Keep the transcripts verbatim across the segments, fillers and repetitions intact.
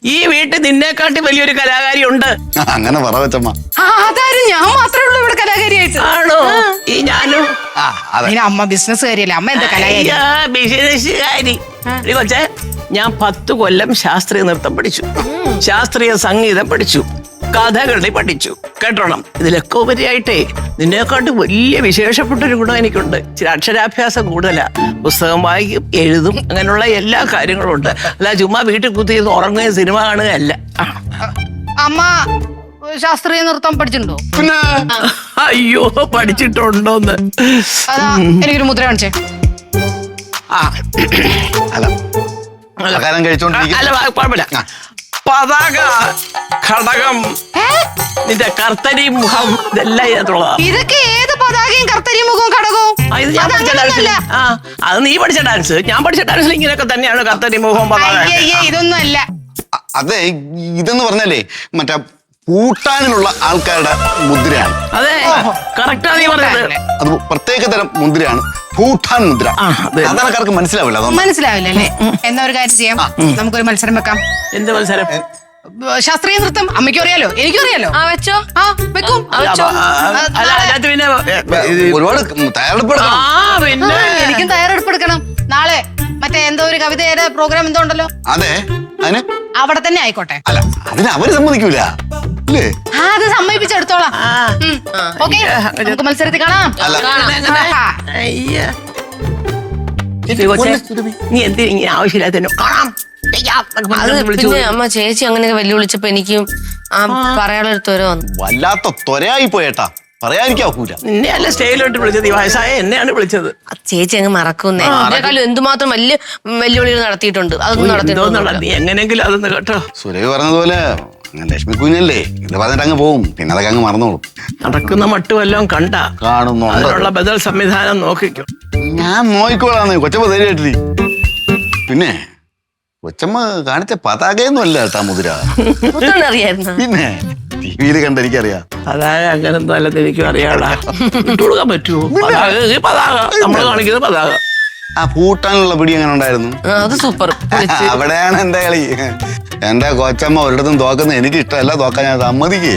ഈ വീട്ടിൽ നിന്നെക്കാട്ടി വലിയൊരു കലാകാരി ഉണ്ട്. അങ്ങനെ പറ കൊച്ചമ്മ. അതാരും ഞാൻ മാത്രമേ ഉള്ളൂ ഇവിടെ കലാകാരിയായിട്ട്. ആണോ? ഈ ഞാനും. അമ്മ ബിസിനസ് കാര്യല്ലേ, അമ്മ എന്താ കലാകാരി? ബിസിനസ്സുകാരി കൊച്ചേ, ഞാൻ പത്ത് കൊല്ലം ശാസ്ത്രീയ നൃത്തം പഠിച്ചു, ശാസ്ത്രീയ സംഗീതം പഠിച്ചു, കഥകളി പഠിച്ചു. കേട്ടോണം, ഇതിലൊക്കെ ഉപരിയായിട്ടേ നിന്നെക്കാട്ട് വലിയ വിശേഷപ്പെട്ട ഒരു ഗുണം എനിക്കുണ്ട്. ചില അക്ഷരാഭ്യാസം കൂടുതലാ. പുസ്തകം വായിക്കും, എഴുതും, അങ്ങനെയുള്ള എല്ലാ കാര്യങ്ങളും ഉണ്ട്. അല്ല ചുമ്മാ വീട്ടിൽ കുത്തി ഉറങ്ങുകയും സിനിമ കാണുകയല്ല. അമ്മ ശാസ്ത്രീയ നൃത്തം പഠിച്ചിട്ടുണ്ടോ? അയ്യോ, പഠിച്ചിട്ടുണ്ടോന്ന്. അതാ എനിക്കൊരു മുദ്ര കാണിച്ചേ. ആ അല്ല അല്ല കുഴപ്പമില്ല. പതാക, ഘടകം, നിന്റെ കർത്തരി മുഖം, ഇതെല്ലാം ഇതിനകത്തുള്ളതാ. ഇതൊക്കെ ഏത് പതാകയും കർത്തരി മുഖവും ഘടകവും? ആ, അത് നീ പഠിച്ച ഡാൻസ്. ഞാൻ പഠിച്ച ഡാൻസിൽ ഇങ്ങനെയൊക്കെ തന്നെയാണ് കർത്തരി മുഖവും പതാക. ഇതൊന്നും അല്ല. അതെ, ഇതെന്ന് പറഞ്ഞാലേ മറ്റേ പൂട്ടാനിലുള്ള ആൾക്കാരുടെ മുദ്രയാണ്. അതെ, കറക്റ്റാ നീ പറഞ്ഞത്. അത് പ്രത്യേക തരം മുദ്രയാണ്, ഭൂട്ടാൻ മുദ്ര. സാധാരണക്കാർക്ക് മനസ്സിലാവില്ല. മനസ്സിലാവില്ല അല്ലേ? എന്നാ ഒരു കാര്യം ചെയ്യാം, നമുക്കൊരു മത്സരം വെക്കാം. എന്ത് മത്സരം? ശാസ്ത്രീയ നൃത്തം. അമ്മയ്ക്കും അറിയാലോ, എനിക്കും അറിയാലോ. ആ വെച്ചോ. ആ വെക്കും. പിന്നെ ഒരുപാട് തയ്യാറെടുപ്പ് എടുക്കണം. പിന്നെ എനിക്കും തയ്യാറെടുപ്പ് എടുക്കണം. നാളെ മറ്റേ എന്തോ ഒരു കവിതയുടെ പ്രോഗ്രാം എന്തോ ഉണ്ടല്ലോ. അതെ, അതിന് അവിടെ തന്നെ ആയിക്കോട്ടെ. അല്ല, അതിന് അവര് സമ്മതിക്കൂല അല്ലേ? ആ, അത് സമ്മതിപ്പിച്ചെടുത്തോളാം. ഓക്കെ, നമുക്ക് മത്സരത്തിൽ കാണാം. നീ എന്ത് ഇങ്ങനെ ആവശ്യമില്ലാത്ത കാണാം. പിന്നെ അമ്മ ചേച്ചി അങ്ങനെയൊക്കെ വെല്ലുവിളിച്ചപ്പോ എനിക്കും പറയാനുള്ള ഒരു ത്വര വന്നു. വല്ലാത്ത ത്വരയായി പോയേട്ടാ, പറയാതിരിക്കൂല. നിന്നെ അല്ല സ്റ്റേജിലോട്ട് വിളിച്ചത്, ഈ വയസ്സായ എന്നെയാണ് വിളിച്ചത്. ചേച്ചി അങ്ങ് മറക്കുന്നേ. അതിനേക്കാളും എന്തുമാത്രം വലിയ വെല്ലുവിളികൾ നടത്തിയിട്ടുണ്ട്. അതൊന്നും നടത്തിയിട്ടുണ്ട്. നീ എങ്ങനെയെങ്കിലും അതൊന്ന് കേട്ടോ. സുരഭി പറഞ്ഞതുപോലെ ലക്ഷ്മി കുഞ്ഞല്ലേ, ഇത് പറഞ്ഞിട്ട് അങ്ങ് പോവും, പിന്നെ അതൊക്കെ അങ്ങ് മറന്നോളും. നടക്കുന്ന മട്ടും എല്ലാം കണ്ട കാണുന്നു. അതിനുള്ള ബദൽ സംവിധാനം നോക്കിക്കും. ഞാൻ നോക്കിക്കോളാന്ന് കൊച്ചമ്മ ധൈര്യമായിട്ടിരി. പിന്നെ കൊച്ചമ്മ കാണിച്ച പതാകയൊന്നും അല്ല കേട്ടാ മുദ്ര. അറിയായിരുന്നു. പിന്നെ ടി വിയിൽ കണ്ട എനിക്കറിയാം. പതാക അങ്ങനെന്തോ അല്ലെന്ന് എനിക്കും അറിയാടാ. ഇട്ടുകൊടുക്കാൻ പറ്റുമോ? പതാക പതാക നമ്മള് കാണിക്കുന്നത് പതാക. ആ പൂട്ടാനുള്ള പിടി എങ്ങനെ ഉണ്ടായിരുന്നു? അത് സൂപ്പർ. അവിടെയാണ് എന്റെ കളി. എന്റെ കൊച്ചമ്മ ഒരിടത്തും തോക്കുന്നത് എനിക്ക് ഇഷ്ടമല്ല, തോക്കാൻ ഞാൻ സമ്മതിക്കേ.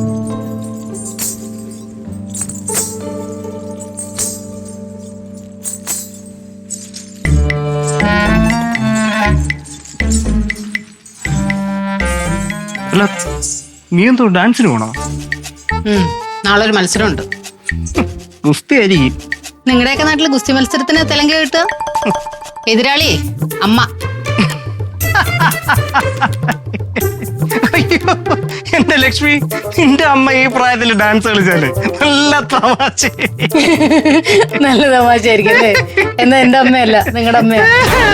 അല്ല, നീ എന്തോ ഡാൻസിന് പോണോ? നാളെ ഒരു മത്സരമുണ്ട്. ഗുസ്തി ആയിരിക്കും. നിങ്ങളുടെയൊക്കെ നാട്ടില് ഗുസ്തി മത്സരത്തിന് തെലങ്ക കിട്ടുക. എതിരാളി അമ്മ. അയ്യോ എന്റെ ലക്ഷ്മി, നിന്റെ അമ്മ ഈ പ്രായത്തിൽ ഡാൻസ് കളിച്ചാല് നല്ല തമാശ. നല്ല തമാശയായിരിക്കും അല്ലേ? എന്നാ എന്റെ അമ്മയല്ല, നിങ്ങളുടെ അമ്മയാ.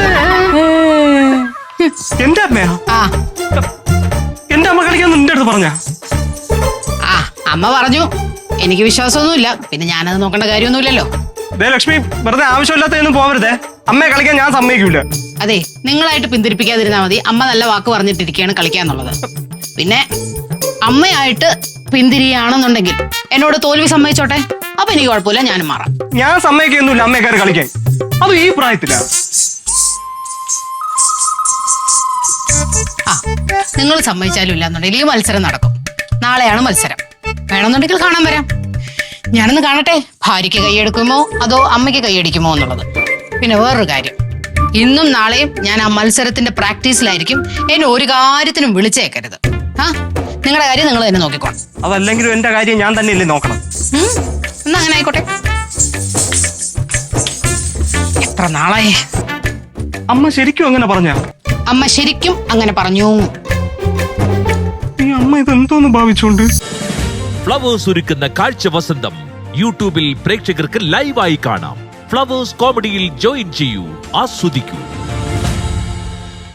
എന്റെ അമ്മയാ? ആ, എന്റെ അമ്മ കളിക്കാൻ നിന്റെ അടുത്ത് പറഞ്ഞ? ആ, അമ്മ പറഞ്ഞു. എനിക്ക് വിശ്വാസമൊന്നുമില്ല, പിന്നെ ഞാനത് നോക്കേണ്ട കാര്യമൊന്നുമില്ലല്ലോ. ദേ ലക്ഷ്മി, വെറുതെ ആവശ്യമില്ലാത്തൊന്നും പോവരുതേ. അമ്മയെ കളിക്കാൻ ഞാൻ സമ്മതിക്കൂല. അതെ, നിങ്ങളായിട്ട് പിന്തിരിപ്പിക്കാതിരുന്നാ മതി. അമ്മ നല്ല വാക്ക് പറഞ്ഞിട്ടിരിക്കുകയാണ് കളിക്കാന്നുള്ളത്. പിന്നെ അമ്മയായിട്ട് പിന്തിരിയാണെന്നുണ്ടെങ്കിൽ എന്നോട് തോൽവി സമ്മതിച്ചോട്ടെ, അപ്പൊ എനിക്ക് കുഴപ്പമില്ല, ഞാനും മാറാം. ഞാൻ സമ്മതിക്കൊന്നുമില്ല അമ്മയെ കയറി കളിക്കാൻ. അത് ഈ പ്രായത്തിലാ. ആ, നിങ്ങൾ സമ്മതിച്ചാലും ഇല്ലാന്നുണ്ടെങ്കിൽ ഈ മത്സരം നടക്കും. നാളെയാണ് മത്സരം. വേണമെന്നുണ്ടെങ്കിൽ കാണാൻ വരാം. ഞാനൊന്ന് കാണട്ടെ, ഭാര്യയ്ക്ക് കൈയെടുക്കുമോ അതോ അമ്മയ്ക്ക് കൈയടിക്കുമോ എന്നുള്ളത്. പിന്നെ വേറൊരു കാര്യം, ഇന്നും നാളെയും ഞാൻ ആ മത്സരത്തിന്റെ പ്രാക്ടീസിലായിരിക്കും. എന്നെ ഒരു കാര്യത്തിനും വിളിച്ചേക്കരുത്. ആ, നിങ്ങളുടെ കാര്യം നിങ്ങൾ തന്നെ നോക്കിക്കോണം. അതല്ലെങ്കിലും എന്റെ കാര്യം ഞാൻ തന്നെയല്ലേ നോക്കണം. എന്നാ അങ്ങനെ ആയിക്കോട്ടെ. എത്ര നാളായി. അമ്മ ശരിക്കും അങ്ങനെ പറഞ്ഞ? അമ്മ ശരിക്കും അങ്ങനെ പറഞ്ഞു. ഈ അമ്മ ഇതെന്തോന്ന് ഭാവിച്ചോണ്ട്? ഫ്ലവേഴ്സ് ഒരുക്കുന്ന കാഴ്ച വസന്തം യൂട്യൂബിൽ പ്രേക്ഷകർക്ക് ലൈവായി കാണാം. ഫ്ലവേഴ്സ് കോമഡിയിൽ ജോയിൻ ചെയ്യൂ, ആസ്വദിക്കൂ.